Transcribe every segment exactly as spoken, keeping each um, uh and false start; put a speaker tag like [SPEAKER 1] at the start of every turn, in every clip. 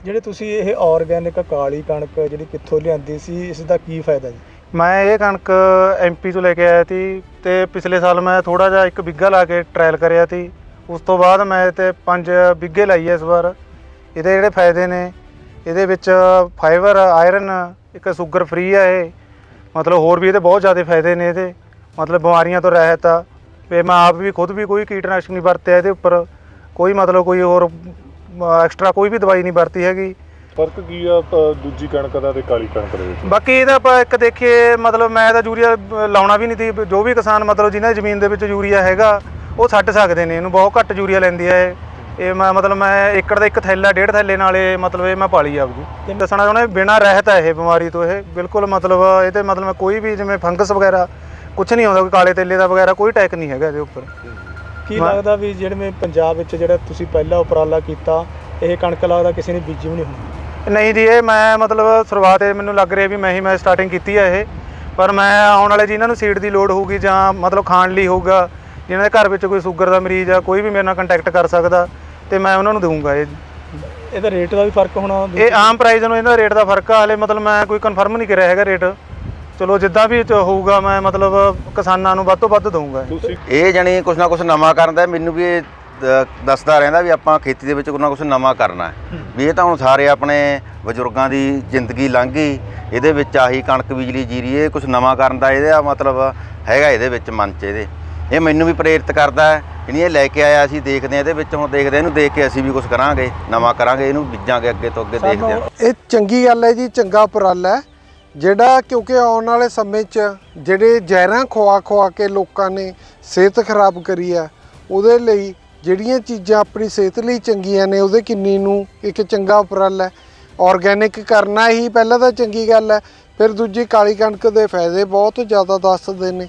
[SPEAKER 1] ਜਿਹੜੇ ਤੁਸੀਂ ਇਹ ਆਰਗੈਨਿਕ ਕਾਲੀ ਕਣਕ ਜਿਹੜੀ ਕਿੱਥੋਂ ਲਿਆਂਦੀ ਸੀ, ਇਸ ਦਾ ਕੀ ਫਾਇਦਾ ਜੀ?
[SPEAKER 2] ਮੈਂ ਇਹ ਕਣਕ ਐਮਪੀ ਤੋਂ ਲੈ ਕੇ ਆਇਆ ਸੀ ਤੇ ਪਿਛਲੇ ਸਾਲ ਮੈਂ ਥੋੜਾ ਜਿਹਾ ਇੱਕ ਬਿੱਗਾ ਲਾ ਕੇ ਟ੍ਰਾਇਲ ਕਰਿਆ ਸੀ। ਉਸ ਤੋਂ ਬਾਅਦ ਮੈਂ ਤੇ ਪੰਜ ਬਿੱਗੇ ਲਾਈ ਹੈ ਇਸ ਵਾਰ। ਇਹਦੇ ਜਿਹੜੇ ਫਾਇਦੇ ਨੇ, ਇਹਦੇ ਵਿੱਚ ਫਾਈਬਰ, ਆਇਰਨ, ਇੱਕ ਸ਼ੂਗਰ ਫ੍ਰੀ ਆ ਇਹ, ਮਤਲਬ ਹੋਰ ਵੀ ਇਹਦੇ ਬਹੁਤ ਜ਼ਿਆਦਾ ਫਾਇਦੇ ਨੇ ਇਹਦੇ, ਮਤਲਬ ਬਿਮਾਰੀਆਂ ਤੋਂ ਰਹਿਤ ਆ। ਤੇ ਮੈਂ ਆਪ ਵੀ ਖੁਦ ਵੀ ਕੋਈ ਕੀਟਨਾਸ਼ਕ ਨਹੀਂ ਵਰਤਿਆ ਇਹਦੇ ਉੱਪਰ, ਕੋਈ ਮਤਲਬ ਕੋਈ ਹੋਰ ਐਕਸਟਰਾ ਕੋਈ ਵੀ ਦਵਾਈ ਨਹੀਂ ਵਰਤੀ ਹੈਗੀ।
[SPEAKER 3] ਫਰਕ ਕੀ ਆ ਦੂਜੀ ਕਣਕ ਦਾ ਤੇ ਕਾਲੀ ਕਣਕ ਦੇ ਵਿੱਚ?
[SPEAKER 2] ਬਾਕੀ ਇਹਦਾ ਆਪਾਂ ਇੱਕ ਦੇਖੀਏ, ਮਤਲਬ ਮੈਂ ਤਾਂ ਯੂਰੀਆ ਲਾਉਣਾ ਵੀ ਨਹੀਂ ਸੀ। ਜੋ ਵੀ ਕਿਸਾਨ ਮਤਲਬ ਜਿਹਨਾਂ ਦੀ ਜ਼ਮੀਨ ਦੇ ਵਿੱਚ ਯੂਰੀਆ ਹੈਗਾ ਉਹ ਛੱਡ ਸਕਦੇ ਨੇ, ਇਹਨੂੰ ਬਹੁਤ ਘੱਟ ਯੂਰੀਆ ਲੈਂਦੀ ਹੈ ਇਹ। ਇਹ ਮੈਂ ਮਤਲਬ ਮੈਂ ਏਕੜ ਦਾ ਇੱਕ ਥੈਲਾ ਡੇਢ ਥੈਲੇ ਨਾਲ ਇਹ ਮਤਲਬ ਇਹ ਮੈਂ ਪਾਲੀ ਆਪਦੀ। ਤੇ ਦੱਸਣਾ ਚਾਹੁੰਦਾ ਬਿਨਾਂ ਰਹਿਤ ਹੈ ਇਹ ਬਿਮਾਰੀ ਤੋਂ, ਇਹ ਬਿਲਕੁਲ ਮਤਲਬ ਇਹਦੇ ਮਤਲਬ ਮੈਂ ਕੋਈ ਵੀ ਜਿਵੇਂ ਫੰਗਸ ਵਗੈਰਾ ਕੁਛ ਨਹੀਂ ਆਉਂਦਾ, ਕੋਈ ਕਾਲੇ ਤੇਲੇ ਦਾ ਵਗੈਰਾ ਕੋਈ ਅਟੈਕ ਨਹੀਂ ਹੈਗਾ ਇਹਦੇ ਉੱਪਰ।
[SPEAKER 1] ਕੀ ਲੱਗਦਾ ਵੀ ਜਿਹੜੇ ਪੰਜਾਬ ਵਿੱਚ ਜਿਹੜਾ ਤੁਸੀਂ ਪਹਿਲਾ ਉਪਰਾਲਾ ਕੀਤਾ, ਇਹ ਕਣਕ ਲੱਗਦਾ ਕਿਸੇ ਨੇ ਬੀਜੀ ਵੀ ਨਹੀਂ ਹੋਣੀ?
[SPEAKER 2] ਨਹੀਂ ਜੀ, ਇਹ ਮੈਂ ਮਤਲਬ ਸ਼ੁਰੂਆਤ ਇਹ ਮੈਨੂੰ ਲੱਗ ਰਿਹਾ ਵੀ ਮੈਂ ਹੀ ਮੈਂ ਸਟਾਰਟਿੰਗ ਕੀਤੀ ਹੈ ਇਹ। ਪਰ ਮੈਂ ਆਉਣ ਵਾਲੇ ਜਿਨ੍ਹਾਂ ਨੂੰ ਸੀਡ ਦੀ ਲੋੜ ਹੋਊਗੀ ਜਾਂ ਮਤਲਬ ਖਾਣ ਲਈ ਹੋਊਗਾ, ਜਿਨ੍ਹਾਂ ਦੇ ਘਰ ਵਿੱਚ ਕੋਈ ਸ਼ੂਗਰ ਦਾ ਮਰੀਜ਼ ਆ, ਕੋਈ ਵੀ ਮੇਰੇ ਨਾਲ ਕੰਟੈਕਟ ਕਰ ਸਕਦਾ ਤੇ ਮੈਂ ਉਹਨਾਂ ਨੂੰ ਦਊਂਗਾ। ਇਹ
[SPEAKER 1] ਇਹਦਾ ਰੇਟ ਦਾ ਵੀ ਫਰਕ ਹੋਣਾ?
[SPEAKER 2] ਇਹ ਆਮ ਪ੍ਰਾਈਸ ਨੂੰ ਇਹਦਾ ਰੇਟ ਦਾ ਫਰਕ ਆ, ਹਾਲੇ ਮਤਲਬ ਮੈਂ ਕੋਈ ਕਨਫਰਮ ਨਹੀਂ ਕਰਿਆ ਹੈਗਾ ਰੇਟ। ਚਲੋ ਜਿੱਦਾਂ ਵੀ ਹੋਊਗਾ ਮੈਂ ਮਤਲਬ ਕਿਸਾਨਾਂ ਨੂੰ ਵੱਧ ਤੋਂ ਵੱਧ ਦਊਂਗਾ।
[SPEAKER 4] ਇਹ ਜਾਣੀ ਕੁਛ ਨਾ ਕੁਛ ਨਵਾਂ ਕਰਨ ਦਾ ਮੈਨੂੰ ਵੀ ਇਹ ਦੱਸਦਾ ਰਹਿੰਦਾ ਵੀ ਆਪਾਂ ਖੇਤੀ ਦੇ ਵਿੱਚ ਕੁਛ ਨਾ ਕੁਛ ਨਵਾਂ ਕਰਨਾ ਹੈ। ਵੀ ਇਹ ਤਾਂ ਹੁਣ ਸਾਰੇ ਆਪਣੇ ਬਜ਼ੁਰਗਾਂ ਦੀ ਜ਼ਿੰਦਗੀ ਲੰਘ ਗਈ, ਇਹਦੇ ਵਿੱਚ ਆਹੀ ਕਣਕ, ਬਿਜਲੀ, ਜੀਰੀ, ਇਹ ਕੁਛ ਨਵਾਂ ਕਰਨ ਦਾ ਇਹਦਾ ਮਤਲਬ ਹੈਗਾ ਇਹਦੇ ਵਿੱਚ ਮਨ 'ਚ ਇਹਦੇ। ਇਹ ਮੈਨੂੰ ਵੀ ਪ੍ਰੇਰਿਤ ਕਰਦਾ ਹੈ, ਜਿਹੜੀ ਇਹ ਲੈ ਕੇ ਆਇਆ ਅਸੀਂ ਦੇਖਦੇ ਹਾਂ ਇਹਦੇ ਵਿੱਚ, ਹੁਣ ਦੇਖਦੇ ਇਹਨੂੰ ਦੇਖ ਕੇ ਅਸੀਂ ਵੀ ਕੁਛ ਕਰਾਂਗੇ, ਨਵਾਂ ਕਰਾਂਗੇ, ਇਹਨੂੰ ਬੀਜਾਂਗੇ ਅੱਗੇ ਤੋਂ ਅੱਗੇ, ਦੇਖਦੇ ਹਾਂ।
[SPEAKER 5] ਇਹ ਚੰਗੀ ਗੱਲ ਹੈ ਜੀ, ਚੰਗਾ ਉਪਰਾਲਾ ਹੈ ਜਿਹੜਾ, ਕਿਉਂਕਿ ਆਉਣ ਵਾਲੇ ਸਮੇਂ 'ਚ ਜਿਹੜੇ ਜ਼ਹਿਰਾਂ ਖਵਾ ਖਵਾ ਕੇ ਲੋਕਾਂ ਨੇ ਸਿਹਤ ਖਰਾਬ ਕਰੀ ਆ, ਉਹਦੇ ਲਈ ਜਿਹੜੀਆਂ ਚੀਜ਼ਾਂ ਆਪਣੀ ਸਿਹਤ ਲਈ ਚੰਗੀਆਂ ਨੇ ਉਹਦੇ ਕਿੰਨੀ ਨੂੰ ਇੱਕ ਚੰਗਾ ਉਪਰਾਲਾ ਹੈ। ਆਰਗੈਨਿਕ ਕਰਨਾ ਹੀ ਪਹਿਲਾਂ ਤਾਂ ਚੰਗੀ ਗੱਲ ਹੈ, ਫਿਰ ਦੂਜੀ ਕਾਲੀ ਕਣਕ ਦੇ ਫਾਇਦੇ ਬਹੁਤ ਜ਼ਿਆਦਾ ਦੱਸਦੇ ਨੇ।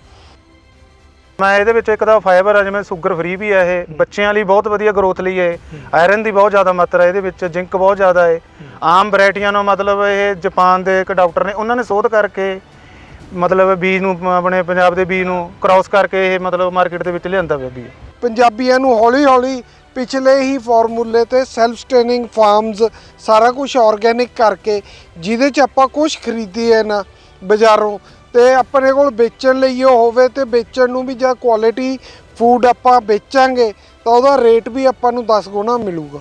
[SPEAKER 2] ਮੈਂ ਇਹਦੇ ਵਿੱਚ ਇੱਕ ਤਾਂ ਫਾਈਬਰ ਆ, ਜਿਵੇਂ ਸ਼ੂਗਰ ਫ੍ਰੀ ਵੀ ਹੈ ਇਹ, ਬੱਚਿਆਂ ਲਈ ਬਹੁਤ ਵਧੀਆ ਗਰੋਥ ਲਈ ਹੈ। ਆਇਰਨ ਦੀ ਬਹੁਤ ਜ਼ਿਆਦਾ ਮਾਤਰਾ ਇਹਦੇ ਵਿੱਚ, ਜ਼ਿੰਕ ਬਹੁਤ ਜ਼ਿਆਦਾ ਹੈ। ਆਮ ਵੈਰਾਈਟੀਆਂ ਨੂੰ ਮਤਲਬ ਇਹ ਜਾਪਾਨ ਦੇ ਇੱਕ ਡਾਕਟਰ ਨੇ ਉਹਨਾਂ ਨੇ ਸ਼ੋਧ ਕਰਕੇ ਮਤਲਬ ਬੀਜ ਨੂੰ, ਆਪਣੇ ਪੰਜਾਬ ਦੇ ਬੀਜ ਨੂੰ ਕ੍ਰਾਸ ਕਰਕੇ ਇਹ ਮਤਲਬ ਮਾਰਕੀਟ ਦੇ ਵਿੱਚ ਲਿਆਂਦਾ ਪਿਆ ਬੀਜ।
[SPEAKER 5] ਪੰਜਾਬੀਆਂ ਨੂੰ ਹੌਲੀ ਹੌਲੀ ਪਿਛਲੇ ਹੀ ਫਾਰਮੂਲੇ ਤੇ ਸੈਲਫ ਸਟੇਨਿੰਗ ਫਾਰਮਸ ਸਾਰਾ ਕੁਝ ਆਰਗੈਨਿਕ ਕਰਕੇ, ਜਿਹਦੇ 'ਚ ਆਪਾਂ ਕੁਝ ਖਰੀਦੀਏ ਨਾ ਬਾਜ਼ਾਰੋਂ ਤੇ ਆਪਣੇ ਕੋਲ ਵੇਚਣ ਲਈ ਉਹ ਹੋਵੇ, ਤੇ ਵੇਚਣ ਨੂੰ ਵੀ ਜਾਂ ਕੁਆਲਿਟੀ ਫੂਡ ਆਪਾਂ ਵੇਚਾਂਗੇ ਤਾਂ ਉਹਦਾ ਰੇਟ ਵੀ ਆਪਾਂ ਨੂੰ ਦਸ ਗੁਣਾ ਮਿਲੂਗਾ।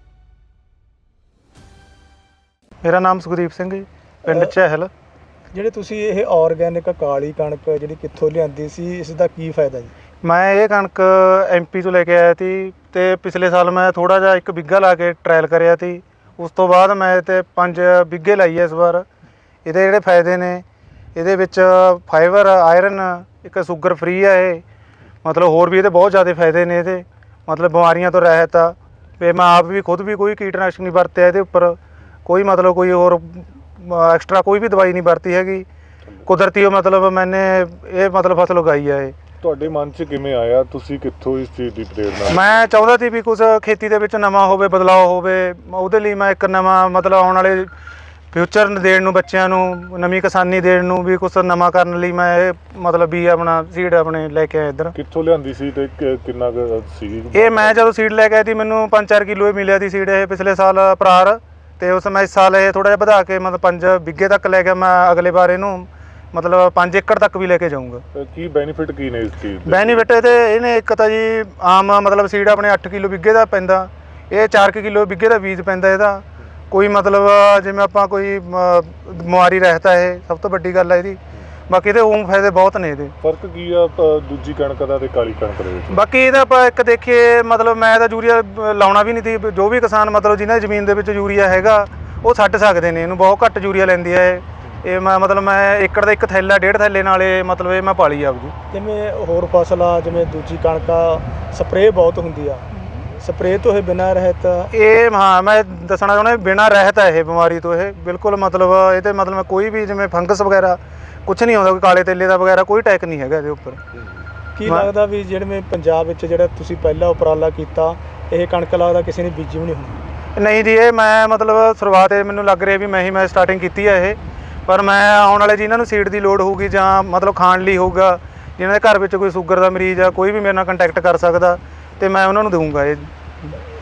[SPEAKER 2] ਮੇਰਾ ਨਾਮ ਸੁਖਦੀਪ ਸਿੰਘ ਜੀ, ਪਿੰਡ ਚਹਿਲ।
[SPEAKER 1] ਜਿਹੜੇ ਤੁਸੀਂ ਇਹ ਆਰਗੈਨਿਕ ਕਾਲੀ ਕਣਕ ਜਿਹੜੀ ਕਿੱਥੋਂ ਲਿਆਂਦੀ ਸੀ, ਇਸ ਦਾ ਕੀ ਫਾਇਦਾ ਜੀ?
[SPEAKER 2] ਮੈਂ ਇਹ ਕਣਕ ਐਮਪੀ ਤੋਂ ਲੈ ਕੇ ਆਇਆ ਸੀ ਤੇ ਪਿਛਲੇ ਸਾਲ ਮੈਂ ਥੋੜਾ ਜਿਹਾ ਇੱਕ ਬਿੱਗਾ ਲਾ ਕੇ ਟ੍ਰਾਇਲ ਕਰਿਆ ਸੀ। ਉਸ ਤੋਂ ਬਾਅਦ ਮੈਂ ਤੇ ਪੰਜ ਬਿੱਗੇ ਲਾਈ ਹੈ ਇਸ ਵਾਰ। ਇਹਦੇ ਜਿਹੜੇ ਫਾਇਦੇ ਨੇ, ਇਹਦੇ ਵਿੱਚ ਫਾਈਬਰ, ਆਇਰਨ, ਇੱਕ ਸ਼ੂਗਰ ਫ੍ਰੀ ਆ ਇਹ, ਮਤਲਬ ਹੋਰ ਵੀ ਇਹਦੇ ਬਹੁਤ ਜ਼ਿਆਦਾ ਫਾਇਦੇ ਨੇ ਇਹਦੇ, ਮਤਲਬ ਬਿਮਾਰੀਆਂ ਤੋਂ ਰਹਿਤ ਆ। ਤੇ ਮੈਂ ਆਪ ਵੀ ਖੁਦ ਵੀ ਕੋਈ ਕੀਟਨਾਸ਼ਕ ਨਹੀਂ ਵਰਤਿਆ ਇਹਦੇ ਉੱਪਰ, ਕੋਈ ਮਤਲਬ ਕੋਈ ਹੋਰ ਐਕਸਟਰਾ ਕੋਈ ਵੀ ਦਵਾਈ ਨਹੀਂ ਵਰਤੀ ਹੈਗੀ। ਕੁਦਰਤੀ ਮਤਲਬ ਮੈਨੇ ਇਹ ਮਤਲਬ ਫਸਲ ਉਗਾਈ ਆ। ਇਹ
[SPEAKER 3] ਤੁਹਾਡੇ ਮਨ 'ਚ ਕਿਵੇਂ ਆਇਆ? ਤੁਸੀਂ ਕਿੱਥੋਂ ਇਸ ਚੀਜ਼ ਦੀ ਪ੍ਰੇਰਨਾ?
[SPEAKER 2] ਮੈਂ ਚਾਹੁੰਦਾ ਸੀ ਵੀ ਕੁਛ ਖੇਤੀ ਦੇ ਵਿੱਚ ਨਵਾਂ ਹੋਵੇ, ਬਦਲਾਅ ਹੋਵੇ। ਉਹਦੇ ਲਈ ਮੈਂ ਇੱਕ ਨਵਾਂ ਮਤਲਬ ਆਉਣ ਵਾਲੇ ਫਿਊਚਰ ਦੇਣ ਨੂੰ, ਬੱਚਿਆਂ ਨੂੰ ਨਵੀਂ ਕਿਸਾਨੀ ਦੇਣ ਨੂੰ ਵੀ ਕੁਛ ਨਵਾਂ ਕਰਨ ਲਈ ਮੈਂ ਇਹ ਮਤਲਬ ਵੀ ਆਪਣਾ ਸੀਡ ਆਪਣੇ ਲੈ ਕੇ ਆਇਆ ਇੱਧਰ।
[SPEAKER 3] ਕਿੱਥੋਂ ਲਿਆਂਦੀ ਸੀ ਤੇ ਕਿੰਨਾ ਸੀ
[SPEAKER 2] ਇਹ? ਮੈਂ ਜਦੋਂ ਸੀਡ ਲੈ ਕੇ ਆਈ ਸੀ ਮੈਨੂੰ ਪੰਜ ਚਾਰ ਕਿਲੋ ਹੀ ਮਿਲਿਆ ਸੀ ਸੀਡ ਇਹ ਪਿਛਲੇ ਸਾਲ ਪਰਾਰ, ਤੇ ਉਸ ਮੈਂ ਇਸ ਸਾਲ ਇਹ ਥੋੜ੍ਹਾ ਜਿਹਾ ਵਧਾ ਕੇ ਮਤਲਬ ਪੰਜ ਬਿੱਗੇ ਤੱਕ ਲੈ ਕੇ ਮੈਂ ਅਗਲੇ ਵਾਰ ਇਹਨੂੰ ਮਤਲਬ ਪੰਜ ਏਕੜ ਤੱਕ ਵੀ ਲੈ ਕੇ ਜਾਊਂਗਾ।
[SPEAKER 3] ਕੀ ਬੈਨੀਫਿਟ ਕੀ ਨੇ ਇਸ ਚੀਜ਼ ਦੇ?
[SPEAKER 2] ਬੈਨੀਫਿਟ ਇਹਦੇ ਇਹਨੇ ਇੱਕ ਤਾਂ ਜੀ ਆਮ ਮਤਲਬ ਸੀਡ ਆਪਣੇ ਅੱਠ ਕਿਲੋ ਬਿੱਗੇ ਦਾ ਪੈਂਦਾ, ਇਹ ਚਾਰ ਕਿਲੋ ਬਿੱਗੇ ਦਾ ਬੀਜ ਪੈਂਦਾ ਇਹਦਾ। ਕੋਈ ਮਤਲਬ ਜਿਵੇਂ ਆਪਾਂ ਕੋਈ ਬਿਮਾਰੀ ਰਹਿਤ ਹੈ, ਇਹ ਸਭ ਤੋਂ ਵੱਡੀ ਗੱਲ ਹੈ ਇਹਦੀ। ਬਾਕੀ ਇਹਦੇ ਉਹ ਫਾਇਦੇ ਬਹੁਤ ਨੇ ਇਹਦੇ।
[SPEAKER 3] ਫਰਕ ਕੀ ਆ ਦੂਜੀ ਕਣਕ ਦਾ ਤੇ ਕਾਲੀ ਕਣਕ ਦੇ ਵਿੱਚ?
[SPEAKER 2] ਬਾਕੀ ਇਹਦਾ ਆਪਾਂ ਇੱਕ ਦੇਖੀਏ, ਮਤਲਬ ਮੈਂ ਤਾਂ ਯੂਰੀਆ ਲਾਉਣਾ ਵੀ ਨਹੀਂ ਸੀ। ਜੋ ਵੀ ਕਿਸਾਨ ਮਤਲਬ ਜਿਹਨਾਂ ਦੀ ਜ਼ਮੀਨ ਦੇ ਵਿੱਚ ਯੂਰੀਆ ਹੈਗਾ ਉਹ ਛੱਡ ਸਕਦੇ ਨੇ, ਇਹਨੂੰ ਬਹੁਤ ਘੱਟ ਯੂਰੀਆ ਲੈਂਦੀ ਹੈ ਇਹ। ਇਹ ਮੈਂ ਮਤਲਬ ਮੈਂ ਏਕੜ ਦਾ ਇੱਕ ਥੈਲਾ ਡੇਢ ਥੈਲੇ ਨਾਲ ਇਹ ਮਤਲਬ ਇਹ ਮੈਂ ਪਾਲੀ ਆਪਦੀ।
[SPEAKER 1] ਜਿਵੇਂ ਹੋਰ ਫਸਲ ਆ, ਜਿਵੇਂ ਦੂਜੀ ਕਣਕ ਆ, ਸਪਰੇਅ ਬਹੁਤ ਹੁੰਦੀ ਆ, ਸਪਰੇਅ ਤੋਂ ਇਹ ਬਿਨਾਂ ਰਹਿਤ
[SPEAKER 2] ਇਹ, ਹਾਂ ਮੈਂ ਦੱਸਣਾ ਚਾਹੁੰਦਾ ਬਿਨਾਂ ਰਹਿਤ ਹੈ ਇਹ ਬਿਮਾਰੀ ਤੋਂ। ਇਹ ਬਿਲਕੁਲ ਮਤਲਬ ਇਹਦੇ ਮਤਲਬ ਕੋਈ ਵੀ ਜਿਵੇਂ ਫੰਗਸ ਵਗੈਰਾ ਕੁਛ ਨਹੀਂ ਆਉਂਦਾ, ਕੋਈ ਕਾਲੇ ਤੇਲੇ ਦਾ ਵਗੈਰਾ ਕੋਈ ਅਟੈਕ ਨਹੀਂ ਹੈਗਾ ਇਹਦੇ ਉੱਪਰ।
[SPEAKER 1] ਕੀ ਲੱਗਦਾ ਵੀ ਜਿਹੜੇ ਪੰਜਾਬ ਵਿੱਚ ਜਿਹੜਾ ਤੁਸੀਂ ਪਹਿਲਾ ਉਪਰਾਲਾ ਕੀਤਾ, ਇਹ ਕਣਕ ਲੱਗਦਾ ਕਿਸੇ ਨੇ ਬੀਜੀ ਵੀ ਨਹੀਂ ਹੋਣੀ?
[SPEAKER 2] ਨਹੀਂ ਜੀ, ਇਹ ਮੈਂ ਮਤਲਬ ਸ਼ੁਰੂਆਤ ਇਹ ਮੈਨੂੰ ਲੱਗ ਰਿਹਾ ਵੀ ਮੈਂ ਹੀ ਮੈਂ ਸਟਾਰਟਿੰਗ ਕੀਤੀ ਹੈ ਇਹ। ਪਰ ਮੈਂ ਆਉਣ ਵਾਲੇ ਜਿਨ੍ਹਾਂ ਨੂੰ ਸੀਡ ਦੀ ਲੋੜ ਹੋਊਗੀ ਜਾਂ ਮਤਲਬ ਖਾਣ ਲਈ ਹੋਊਗਾ, ਜਿਨ੍ਹਾਂ ਦੇ ਘਰ ਵਿੱਚ ਕੋਈ ਸ਼ੂਗਰ ਦਾ ਮਰੀਜ਼ ਆ, ਕੋਈ ਵੀ ਮੇਰੇ ਨਾਲ ਕੰਟੈਕਟ ਕਰ ਸਕਦਾ ਤੇ ਮੈਂ ਉਹਨਾਂ ਨੂੰ ਦਊਂਗਾ ਇਹ।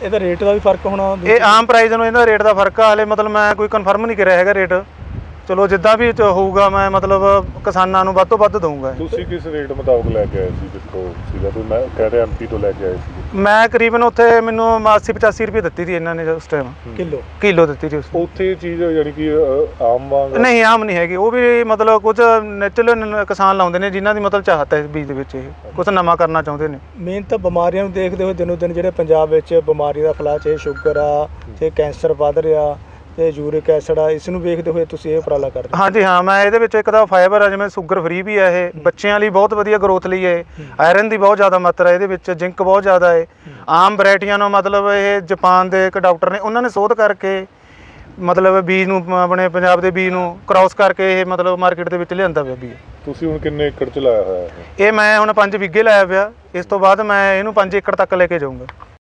[SPEAKER 1] ਇਹਦਾ ਰੇਟ ਦਾ ਵੀ ਫਰਕ ਹੋਣਾ?
[SPEAKER 2] ਇਹ ਆਮ ਪ੍ਰਾਈਸ ਨੂੰ ਇਹਦਾ ਰੇਟ ਦਾ ਫਰਕ ਆ। ਹਾਲੇ ਮਤਲਬ ਮੈਂ ਕੋਈ ਕਨਫਰਮ ਨਹੀਂ ਕਰਿਆ ਹੈਗਾ ਰੇਟ। ਚਲੋ ਜਿੱਦਾਂ ਵੀ ਚ ਹੋਊਗਾ ਮੈਂ ਮਤਲਬ ਕਿਸਾਨਾਂ ਨੂੰ ਵੱਧ ਤੋਂ ਵੱਧ ਦਊਂਗਾ।
[SPEAKER 3] ਤੁਸੀਂ ਕਿਸ ਰੇਟ ਮੁਤਾਬਕ ਲੈ ਕੇ ਆਏ ਸੀ ਜਿੱਥੋਂ ਸੀਗਾ ਤੁਸੀਂ? ਮੈਂ ਕਹਿ ਰਿਹਾ ਐਮਪੀ ਤੋਂ ਲੈ ਕੇ ਆਏ ਸੀ।
[SPEAKER 2] ਮੈਂ ਕਰੀਬਨ ਉੱਥੇ ਮੈਨੂੰ ਅੱਸੀ ਪਚਾਸੀ ਰੁਪਏ ਦਿੱਤੀ ਸੀ ਇਹਨਾਂ ਨੇ ਉਸ ਟਾਈਮ।
[SPEAKER 1] ਕਿਲੋ
[SPEAKER 2] ਕਿਲੋ ਦਿੱਤੀ ਸੀ ਉਸ
[SPEAKER 3] ਉੱਥੇ ਚੀਜ਼ ਯਾਨੀ ਕਿ ਅ, ਆਮ ਵਾਂਗ
[SPEAKER 2] ਨਹੀਂ ਆਮ ਨਹੀਂ ਹੈਗੀ। ਉਹ ਵੀ ਮਤਲਬ ਕੁਝ ਨੈਚੁਰਲ ਕਿਸਾਨ ਲਾਉਂਦੇ ਨੇ ਜਿਨ੍ਹਾਂ ਦੀ ਮਤਲਬ ਚਾਹਤ ਹੈ ਇਸ ਬੀਜ ਦੇ ਵਿੱਚ। ਇਹ ਕੁਝ ਨਵਾਂ ਕਰਨਾ ਚਾਹੁੰਦੇ ਨੇ।
[SPEAKER 1] ਮੇਨ ਤਾਂ ਬਿਮਾਰੀਆਂ ਨੂੰ ਦੇਖਦੇ ਹੋਏ ਦਿਨੋਂ ਦਿਨ ਜਿਹੜੇ ਪੰਜਾਬ ਵਿੱਚ ਬਿਮਾਰੀ ਦਾ ਫੈਲਾਅ, ਚਾਹੇ ਸ਼ੂਗਰ ਆ, ਚਾਹੇ ਕੈਂਸਰ ਵੱਧ ਰਿਹਾ, ਤੇ ਯੂਰਿਕ ਐਸਿਡ ਆ, ਇਸ ਨੂੰ ਵੇਖਦੇ ਹੋਏ ਤੁਸੀਂ ਇਹ ਉਪਰਾਲਾ ਕਰਦੇ?
[SPEAKER 2] ਹਾਂਜੀ ਹਾਂ, ਮੈਂ ਇਹਦੇ ਵਿੱਚ ਇੱਕ ਤਾਂ ਫਾਈਬਰ ਆ, ਜਿਵੇਂ ਸ਼ੂਗਰ ਫ੍ਰੀ ਵੀ ਆ ਇਹ, ਬੱਚਿਆਂ ਲਈ ਬਹੁਤ ਵਧੀਆ ਗਰੋਥ ਲਈ ਹੈ। ਆਇਰਨ ਦੀ ਬਹੁਤ ਜ਼ਿਆਦਾ ਮਾਤਰਾ ਇਹਦੇ ਵਿੱਚ, ਜ਼ਿੰਕ ਬਹੁਤ ਜ਼ਿਆਦਾ ਹੈ। ਆਮ ਵੈਰਾਈਟੀਆਂ ਨੂੰ ਮਤਲਬ ਇਹ ਜਾਪਾਨ ਦੇ ਇੱਕ ਡਾਕਟਰ ਨੇ ਉਹਨਾਂ ਨੇ ਸ਼ੋਧ ਕਰਕੇ ਮਤਲਬ ਬੀਜ ਨੂੰ ਆਪਣੇ ਪੰਜਾਬ ਦੇ ਬੀਜ ਨੂੰ ਕ੍ਰਾਸ ਕਰਕੇ ਇਹ ਮਤਲਬ ਮਾਰਕੀਟ ਦੇ ਵਿੱਚ ਲਿਆਂਦਾ ਪਿਆ ਬੀਜ।
[SPEAKER 3] ਤੁਸੀਂ ਹੁਣ ਕਿੰਨੇ ਏਕੜ ਚ ਲਾਇਆ ਹੋਇਆ ਹੈ?
[SPEAKER 2] ਇਹ ਮੈਂ ਹੁਣ ਪੰਜ ਵਿਗੇ ਲਾਇਆ ਪਿਆ। ਇਸ ਤੋਂ ਬਾਅਦ ਮੈਂ ਇਹਨੂੰ ਪੰਜ ਏਕੜ ਤੱਕ ਲੈ ਕੇ ਜਾਊਂਗਾ।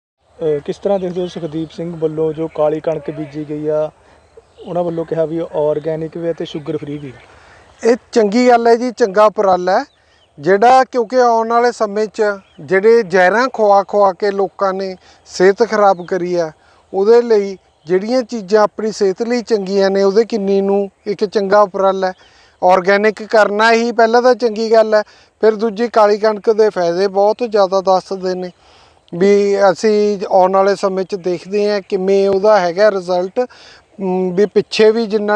[SPEAKER 1] ਕਿਸ ਤਰ੍ਹਾਂ ਦੇਖਦੇ ਹੋ ਸੁਖਦੀਪ ਸਿੰਘ ਵੱਲੋਂ ਜੋ ਕਾਲੀ ਕਣਕ ਬੀਜੀ ਗਈ ਆ, ਉਹਨਾਂ ਵੱਲੋਂ ਕਿਹਾ ਵੀ ਆਰਗੈਨਿਕ ਵੀ ਹੈ ਤੇ ਸ਼ੂਗਰ ਫ੍ਰੀ ਵੀ?
[SPEAKER 5] ਇਹ ਚੰਗੀ ਗੱਲ ਹੈ ਜੀ, ਚੰਗਾ ਉਪਰਾਲਾ ਹੈ ਜਿਹੜਾ, ਕਿਉਂਕਿ ਆਉਣ ਵਾਲੇ ਸਮੇਂ 'ਚ ਜਿਹੜੇ ਜ਼ਹਿਰਾਂ ਖਵਾ ਖਵਾ ਕੇ ਲੋਕਾਂ ਨੇ ਸਿਹਤ ਖਰਾਬ ਕਰੀ ਆ, ਉਹਦੇ ਲਈ ਜਿਹੜੀਆਂ ਚੀਜ਼ਾਂ ਆਪਣੀ ਸਿਹਤ ਲਈ ਚੰਗੀਆਂ ਨੇ ਉਹਦੇ ਕਿੰਨੀ ਨੂੰ ਇੱਕ ਚੰਗਾ ਉਪਰਾਲਾ ਹੈ। ਆਰਗੈਨਿਕ ਕਰਨਾ ਹੀ ਪਹਿਲਾਂ ਤਾਂ ਚੰਗੀ ਗੱਲ ਹੈ। ਫਿਰ ਦੂਜੀ ਕਾਲੀ ਕਣਕ ਦੇ ਫਾਇਦੇ ਬਹੁਤ ਜ਼ਿਆਦਾ ਦੱਸਦੇ ਨੇ ਵੀ ਅਸੀਂ ਆਉਣ ਵਾਲੇ ਸਮੇਂ 'ਚ ਦੇਖਦੇ ਹਾਂ ਕਿਵੇਂ ਉਹਦਾ ਹੈਗਾ ਰਿਜ਼ਲਟ। ਵੀ ਪਿੱਛੇ ਵੀ ਜਿੰਨਾ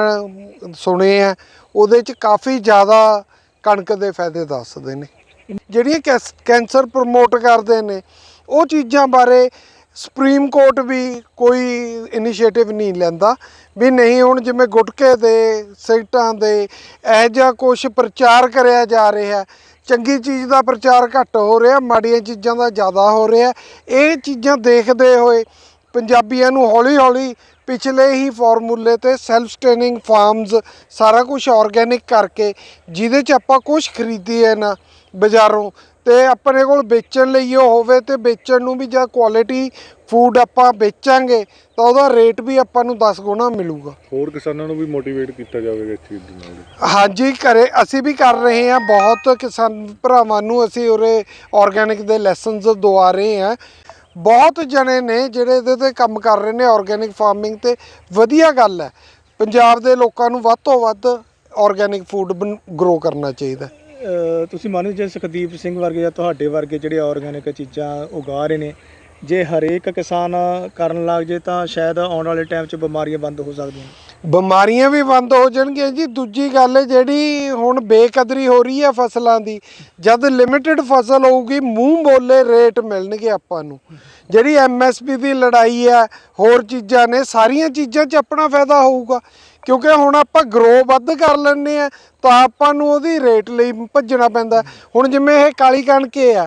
[SPEAKER 5] ਸੁਣੇ ਆ ਉਹਦੇ 'ਚ ਕਾਫੀ ਜ਼ਿਆਦਾ ਕਣਕ ਦੇ ਫਾਇਦੇ ਦੱਸਦੇ ਨੇ। ਜਿਹੜੀਆਂ ਕੈਸ ਕੈਂਸਰ ਪ੍ਰਮੋਟ ਕਰਦੇ ਨੇ ਉਹ ਚੀਜ਼ਾਂ ਬਾਰੇ ਸੁਪਰੀਮ ਕੋਰਟ ਵੀ ਕੋਈ ਇਨੀਸ਼ੀਏਟਿਵ ਨਹੀਂ ਲੈਂਦਾ ਵੀ ਨਹੀਂ ਹੁਣ ਜਿਵੇਂ ਗੁਟਕੇ ਦੇ, ਸਿਗਰਟਾਂ ਦੇ ਇਹੋ ਜਿਹਾ ਕੁਛ ਪ੍ਰਚਾਰ ਕਰਿਆ ਜਾ ਰਿਹਾ। ਚੰਗੀ ਚੀਜ਼ ਦਾ ਪ੍ਰਚਾਰ ਘੱਟ ਹੋ ਰਿਹਾ, ਮਾੜੀਆਂ ਚੀਜ਼ਾਂ ਦਾ ਜ਼ਿਆਦਾ ਹੋ ਰਿਹਾ। ਇਹ ਚੀਜ਼ਾਂ ਦੇਖਦੇ ਹੋਏ ਪੰਜਾਬੀਆਂ ਨੂੰ ਹੌਲੀ ਹੌਲੀ ਪਿਛਲੇ ਹੀ ਫਾਰਮੂਲੇ ਤੇ ਸੈਲਫ ਸਟੇਨਿੰਗ ਫਾਰਮਸ ਸਾਰਾ ਕੁਝ ਆਰਗੈਨਿਕ ਕਰਕੇ, ਜਿਹਦੇ 'ਚ ਆਪਾਂ ਕੁਛ ਖਰੀਦੀਏ ਨਾ ਬਾਜ਼ਾਰੋਂ ਤੇ ਆਪਣੇ ਕੋਲ ਵੇਚਣ ਲਈ ਉਹ ਹੋਵੇ, ਤੇ ਵੇਚਣ ਨੂੰ ਵੀ ਜਾਂ ਕੁਆਲਿਟੀ ਫੂਡ ਆਪਾਂ ਵੇਚਾਂਗੇ ਤਾਂ ਉਹਦਾ ਰੇਟ ਵੀ ਆਪਾਂ ਨੂੰ ਦਸ ਗੁਣਾ ਮਿਲੂਗਾ।
[SPEAKER 3] ਹੋਰ ਕਿਸਾਨਾਂ ਨੂੰ ਵੀ ਮੋਟੀਵੇਟ ਕੀਤਾ ਜਾਵੇਗਾ ਇਸ ਚੀਜ਼ ਦੇ ਨਾਲ?
[SPEAKER 5] ਹਾਂਜੀ, ਕਰੇ ਅਸੀਂ ਵੀ ਕਰ ਰਹੇ ਹਾਂ। ਬਹੁਤ ਕਿਸਾਨ ਭਰਾਵਾਂ ਨੂੰ ਅਸੀਂ ਉਰੇ ਆਰਗੈਨਿਕ ਦੇ ਲੈਸਨਸ ਦਵਾ ਰਹੇ ਹਾਂ। ਬਹੁਤ ਜਣੇ ਨੇ ਜਿਹੜੇ ਇਹਦੇ 'ਤੇ ਕੰਮ ਕਰ ਰਹੇ ਨੇ ਆਰਗੈਨਿਕ ਫਾਰਮਿੰਗ 'ਤੇ। ਵਧੀਆ ਗੱਲ ਹੈ, ਪੰਜਾਬ ਦੇ ਲੋਕਾਂ ਨੂੰ ਵੱਧ ਤੋਂ ਵੱਧ ਆਰਗੈਨਿਕ ਫੂਡ ਗਰੋ ਕਰਨਾ ਚਾਹੀਦਾ।
[SPEAKER 1] ਤੁਸੀਂ ਮੰਨਦੇ ਜੇ ਸੁਖਦੀਪ ਸਿੰਘ ਵਰਗੇ ਜਾਂ ਤੁਹਾਡੇ ਵਰਗੇ ਜਿਹੜੇ ਆਰਗੈਨਿਕ ਚੀਜ਼ਾਂ ਉਗਾ ਰਹੇ ਨੇ, ਜੇ ਹਰੇਕ ਕਿਸਾਨ ਕਰਨ ਲੱਗ ਜੇ ਤਾਂ ਸ਼ਾਇਦ ਆਉਣ ਵਾਲੇ ਟਾਈਮ 'ਚ ਬਿਮਾਰੀਆਂ ਬੰਦ ਹੋ ਸਕਦੀਆਂ?
[SPEAKER 5] ਬਿਮਾਰੀਆਂ ਵੀ ਬੰਦ ਹੋ ਜਾਣਗੀਆਂ ਜੀ। ਦੂਜੀ ਗੱਲ ਜਿਹੜੀ ਹੁਣ ਬੇਕਦਰੀ ਹੋ ਰਹੀ ਹੈ ਫਸਲਾਂ ਦੀ, ਜਦ ਲਿਮਿਟਿਡ ਫਸਲ ਹੋਊਗੀ ਮੂੰਹ ਬੋਲੇ ਰੇਟ ਮਿਲਣਗੇ ਆਪਾਂ ਨੂੰ। ਜਿਹੜੀ ਐਮ ਐਸ ਪੀ ਦੀ ਲੜਾਈ ਹੈ, ਹੋਰ ਚੀਜ਼ਾਂ ਨੇ, ਸਾਰੀਆਂ ਚੀਜ਼ਾਂ 'ਚ ਆਪਣਾ ਫਾਇਦਾ ਹੋਊਗਾ ਕਿਉਂਕਿ ਹੁਣ ਆਪਾਂ ਗਰੋ ਵੱਧ ਕਰ ਲੈਂਦੇ ਹਾਂ ਤਾਂ ਆਪਾਂ ਨੂੰ ਉਹਦੀ ਰੇਟ ਲਈ ਭੱਜਣਾ ਪੈਂਦਾ। ਹੁਣ ਜਿਵੇਂ ਇਹ ਕਾਲੀ ਕਣਕ ਆ,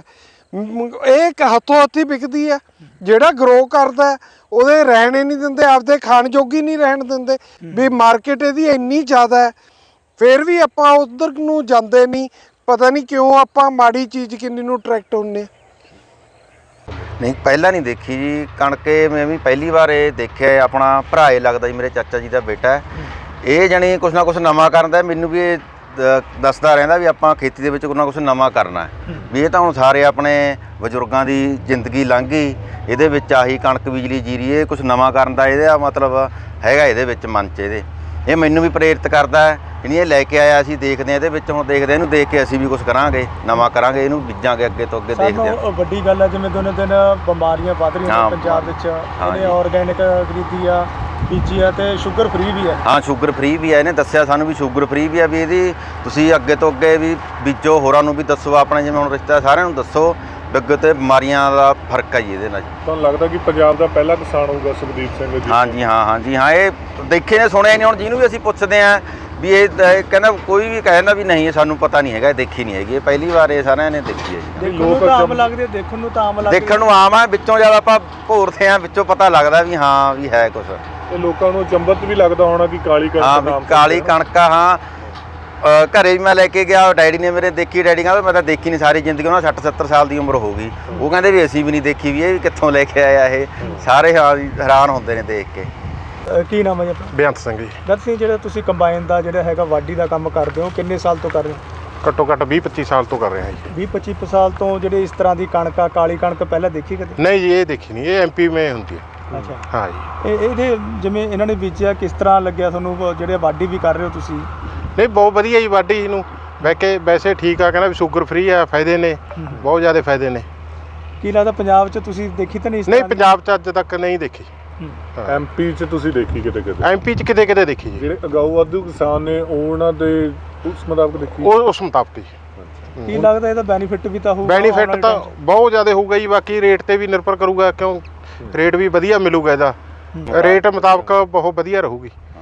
[SPEAKER 5] ਇਹ ਹੱਥੋਂ ਹੱਥੀ ਵਿਕਦੀ ਹੈ। ਜਿਹੜਾ ਗਰੋ ਕਰਦਾ ਉਹਦੇ ਰਹਿਣੇ ਨਹੀਂ ਦਿੰਦੇ, ਆਪਦੇ ਖਾਣ ਜੋਗੀ ਨਹੀਂ ਰਹਿਣ ਦਿੰਦੇ ਵੀ ਮਾਰਕੀਟ ਇਹਦੀ ਇੰਨੀ ਜ਼ਿਆਦਾ ਹੈ, ਫਿਰ ਵੀ ਆਪਾਂ ਉਧਰ ਨੂੰ ਜਾਂਦੇ ਨਹੀਂ। ਪਤਾ ਨਹੀਂ ਕਿਉਂ ਆਪਾਂ ਮਾੜੀ ਚੀਜ਼ ਕਿੰਨੀ ਨੂੰ ਅਟਰੈਕਟ ਹੁੰਦੇ।
[SPEAKER 4] ਨਹੀਂ ਪਹਿਲਾਂ ਨਹੀਂ ਦੇਖੀ ਜੀ ਕਣਕ। ਮੈਂ ਵੀ ਪਹਿਲੀ ਵਾਰ ਇਹ ਦੇਖਿਆ। ਆਪਣਾ ਭਰਾ ਇਹ ਲੱਗਦਾ ਜੀ, ਮੇਰੇ ਚਾਚਾ ਜੀ ਦਾ ਬੇਟਾ ਹੈ। ਇਹ ਜਾਣੀ ਕੁਛ ਨਾ ਕੁਛ ਨਵਾਂ ਕਰਦਾ। ਮੈਨੂੰ ਵੀ ਇਹ ਦੱਸਦਾ ਰਹਿੰਦਾ ਵੀ ਆਪਾਂ ਖੇਤੀ ਦੇ ਵਿੱਚ ਕੁਛ ਨਾ ਕੁਛ ਨਵਾਂ ਕਰਨਾ ਵੀ। ਇਹ ਤਾਂ ਹੁਣ ਸਾਰੇ ਆਪਣੇ ਬਜ਼ੁਰਗਾਂ ਦੀ ਜ਼ਿੰਦਗੀ ਲੰਘ ਗਈ, ਇਹਦੇ ਵਿੱਚ ਆਹੀ ਕਣਕ ਬਿਜਲੀ ਜੀਰੀ, ਇਹ ਕੁਛ ਨਵਾਂ ਕਰਨ ਦਾ ਇਹਦਾ ਮਤਲਬ ਹੈਗਾ ਇਹਦੇ ਵਿੱਚ ਮਨ 'ਚ ਇਹਦੇ। ਇਹ ਮੈਨੂੰ ਵੀ ਪ੍ਰੇਰਿਤ ਕਰਦਾ ਹੈ। ਇਹਨੇ ਇਹ ਲੈ ਕੇ ਆਇਆ, ਅਸੀਂ ਦੇਖਦੇ ਹਾਂ ਇਹਦੇ ਵਿੱਚ। ਹੁਣ ਦੇਖਦੇ ਇਹਨੂੰ ਦੇਖ ਕੇ ਅਸੀਂ ਵੀ ਕੁਛ ਕਰਾਂਗੇ, ਨਵਾਂ ਕਰਾਂਗੇ, ਇਹਨੂੰ ਬੀਜਾਂਗੇ ਅੱਗੇ ਤੋਂ ਅੱਗੇ। ਦੇਖਦੇ ਹਾਂ।
[SPEAKER 1] ਵੱਡੀ ਗੱਲ ਹੈ ਜਿਵੇਂ ਦਿਨੋਂ ਦਿਨ ਬਿਮਾਰੀਆਂ ਵੱਧ ਰਹੀਆਂ ਨੇ ਪੰਜਾਬ ਵਿੱਚ। ਇਹਨੇ ਆਰਗੈਨਿਕ ਖਰੀਦੀ ਆ, ਬੀਜੀ ਆ, ਤੇ ਸ਼ੂਗਰ ਫ੍ਰੀ ਵੀ ਹੈ।
[SPEAKER 4] ਹਾਂ, ਸ਼ੂਗਰ ਫ੍ਰੀ ਵੀ ਹੈ। ਇਹਨੇ ਦੱਸਿਆ ਸਾਨੂੰ ਵੀ ਸ਼ੂਗਰ ਫ੍ਰੀ ਵੀ ਹੈ। ਵੀ ਇਹਦੀ ਤੁਸੀਂ ਅੱਗੇ ਤੋਂ ਅੱਗੇ ਵੀ ਬੀਜੋ, ਹੋਰਾਂ ਨੂੰ ਵੀ ਦੱਸੋ, ਆਪਣੇ ਜਿਵੇਂ ਹੁਣ ਰਿਸ਼ਤਾ ਸਾਰਿਆਂ ਨੂੰ ਦੱਸੋ। ਅੱਗੇ ਤੇ ਬਿਮਾਰੀਆਂ ਦਾ ਫਰਕ ਹੈ ਜੀ ਇਹਦੇ ਨਾਲ।
[SPEAKER 3] ਤੁਹਾਨੂੰ ਲੱਗਦਾ ਕਿ ਪੰਜਾਬ ਦਾ ਪਹਿਲਾ ਕਿਸਾਨ ਹੋਊਗਾ ਸੁਖਦੀਪ ਸਿੰਘ ਜੀ?
[SPEAKER 4] ਹਾਂਜੀ ਹਾਂ, ਹਾਂਜੀ ਹਾਂ। ਇਹ ਦੇਖੇ ਨੇ, ਸੁਣਿਆ ਨਹੀਂ। ਹੁਣ ਜਿਹਨੂੰ ਵੀ ਅਸੀਂ ਪੁੱਛਦੇ ਹਾਂ ਵੀ ਇਹ ਕਹਿੰਦਾ, ਕੋਈ ਵੀ ਕਹਿੰਦਾ ਵੀ ਨਹੀਂ, ਇਹ ਸਾਨੂੰ ਪਤਾ ਨਹੀਂ ਹੈਗਾ, ਇਹ ਦੇਖੀ ਨਹੀਂ ਹੈਗੀ। ਇਹ ਪਹਿਲੀ ਵਾਰ ਇਹ ਸਾਰਿਆਂ ਨੇ ਦੇਖੀ ਹੈ ਜੀ।
[SPEAKER 1] ਦੇਖਣ ਨੂੰ ਤਾਂ ਆਮ ਲੱਗਦੇ, ਦੇਖਣ ਨੂੰ ਤਾਂ ਆਮ ਲੱਗਦੇ,
[SPEAKER 4] ਦੇਖਣ ਨੂੰ ਆਮ ਆ, ਵਿੱਚੋਂ ਜਦ ਆਪਾਂ ਭੋਰਦੇ ਹਾਂ ਵਿੱਚੋਂ ਪਤਾ ਲੱਗਦਾ ਵੀ ਹਾਂ ਵੀ ਹੈ ਕੁਛ।
[SPEAKER 3] ਤੇ ਲੋਕਾਂ ਨੂੰ ਚੰਬਤ ਵੀ ਲੱਗਦਾ ਹੋਣਾ ਕਿ ਕਾਲੀ ਕਣਕ
[SPEAKER 4] ਹਾਂ,
[SPEAKER 3] ਨਾਮ
[SPEAKER 4] ਕਾਲੀ ਕਣਕ ਆ। ਹਾਂ, ਘਰੇ ਵੀ ਮੈਂ ਲੈ ਕੇ ਗਿਆ, ਡੈਡੀ ਨੇ ਮੇਰੇ ਦੇਖੀ। ਡੈਡੀ ਕਹਿੰਦਾ ਮੈਂ ਤਾਂ ਦੇਖੀ ਨਹੀਂ ਸਾਰੀ ਜ਼ਿੰਦਗੀ। ਉਹਨਾਂ ਸੱਠ ਸੱਤਰ ਸਾਲ ਦੀ ਉਮਰ ਹੋ ਗਈ। ਉਹ ਕਹਿੰਦੇ ਵੀ ਅਸੀਂ ਵੀ ਨਹੀਂ ਦੇਖੀ, ਵੀ ਇਹ ਵੀ ਕਿੱਥੋਂ ਲੈ ਕੇ ਆਇਆ ਇਹ। ਸਾਰੇ ਹਾਂ ਹੈਰਾਨ ਹੁੰਦੇ ਨੇ ਦੇਖ ਕੇ।
[SPEAKER 1] ਕੀ ਨਾਮ ਹੈ ਜੀ ਆਪਣਾ?
[SPEAKER 2] ਬੇਅੰਤ ਸਿੰਘ ਜੀ।
[SPEAKER 1] ਬੇਅੰਤ ਸਿੰਘ, ਜਿਹੜਾ ਤੁਸੀਂ ਕੰਬਾਈਨ ਦਾ ਜਿਹੜਾ ਹੈਗਾ ਵਾਢੀ ਦਾ ਕੰਮ ਕਰਦੇ ਹੋ, ਕਿੰਨੇ ਸਾਲ ਤੋਂ ਕਰ ਰਹੇ ਹੋ?
[SPEAKER 6] ਘੱਟੋ ਘੱਟ ਵੀਹ ਪੱਚੀ ਸਾਲ ਤੋਂ ਕਰ ਰਿਹਾ ਜੀ।
[SPEAKER 1] ਵੀਹ ਪੱਚੀ ਸਾਲ ਤੋਂ ਜਿਹੜੇ ਇਸ ਤਰ੍ਹਾਂ ਦੀ ਕਣਕ ਆ, ਕਾਲੀ ਕਣਕ ਪਹਿਲਾਂ ਦੇਖੀ ਕਦੇ?
[SPEAKER 6] ਨਹੀਂ ਜੀ, ਇਹ ਦੇਖੀ ਨਹੀਂ, ਇਹ ਐਮਪੀ ਮੇ ਹੁੰਦੀ ਹੈ।
[SPEAKER 1] ਅੱਛਾ,
[SPEAKER 6] ਹਾਂ ਜੀ।
[SPEAKER 1] ਇਹ ਇਹਦੇ ਜਿਵੇਂ ਇਹਨਾਂ ਨੇ ਬੀਜਿਆ, ਕਿਸ ਤਰ੍ਹਾਂ ਲੱਗਿਆ ਤੁਹਾਨੂੰ? ਜਿਹੜੇ ਵਾਢੀ ਵੀ ਕਰ ਰਹੇ ਹੋ ਤੁਸੀਂ?
[SPEAKER 6] ਨਹੀਂ, ਬਹੁਤ ਵਧੀਆ ਜੀ ਵਾਢੀ ਇਹਨੂੰ। ਵੈਸੇ ਵੈਸੇ ਠੀਕ ਆ, ਕਹਿੰਦਾ ਵੀ ਸ਼ੂਗਰ ਫ੍ਰੀ ਆ, ਫਾਇਦੇ ਨੇ ਬਹੁਤ ਜ਼ਿਆਦਾ ਫਾਇਦੇ ਨੇ।
[SPEAKER 1] ਕੀ ਲੱਗਦਾ ਪੰਜਾਬ 'ਚ ਤੁਸੀਂ ਦੇਖੀ ਤਾਂ ਨਹੀਂ ਇਸ
[SPEAKER 6] ਨਹੀਂ,
[SPEAKER 1] ਤਰ੍ਹਾਂ ਦੀ?
[SPEAKER 6] ਪੰਜਾਬ 'ਚ ਅੱਜ ਤੱਕ ਨਹੀਂ ਦੇਖੀ।
[SPEAKER 3] ਐਮਪੀ 'ਚ ਤੁਸੀਂ ਦੇਖੀ ਕਿਤੇ ਕਿਤੇ?
[SPEAKER 6] ਐਮਪੀ 'ਚ ਕਿਤੇ ਕਿਤੇ ਦੇਖੀ ਜੀ।
[SPEAKER 3] ਜਿਹੜੇ ਅਗਾਊ ਵਾਧੂ ਕਿਸਾਨ ਨੇ ਉਹਨਾਂ ਦੇ ਉਸ ਮੁਤਾਬਕ ਦੇਖੀ?
[SPEAKER 6] ਉਹ ਉਸ ਮੁਤਾਬਕ ਜੀ।
[SPEAKER 1] ਕੀ ਲੱਗਦਾ ਇਹਦਾ ਬੈਨੀਫਿਟ ਵੀ ਤਾਂ ਹੋਊਗਾ?
[SPEAKER 6] ਬੈਨੀਫਿਟ ਤਾਂ ਬਹੁਤ ਜ਼ਿਆਦਾ ਹੋਊਗਾ ਜੀ। ਬਾਕੀ ਰੇਟ ਤੇ ਵੀ ਨਿਰਭਰ ਕਰੂਗਾ, ਕਿਉਂ ਰੇਟ ਵੀ ਵਧੀਆ ਮਿਲੂਗਾ ਇਹਦਾ। ਰੇਟ ਮੁਤਾਬਕ ਬਹੁਤ ਵਧੀਆ ਰਹੂਗੀ।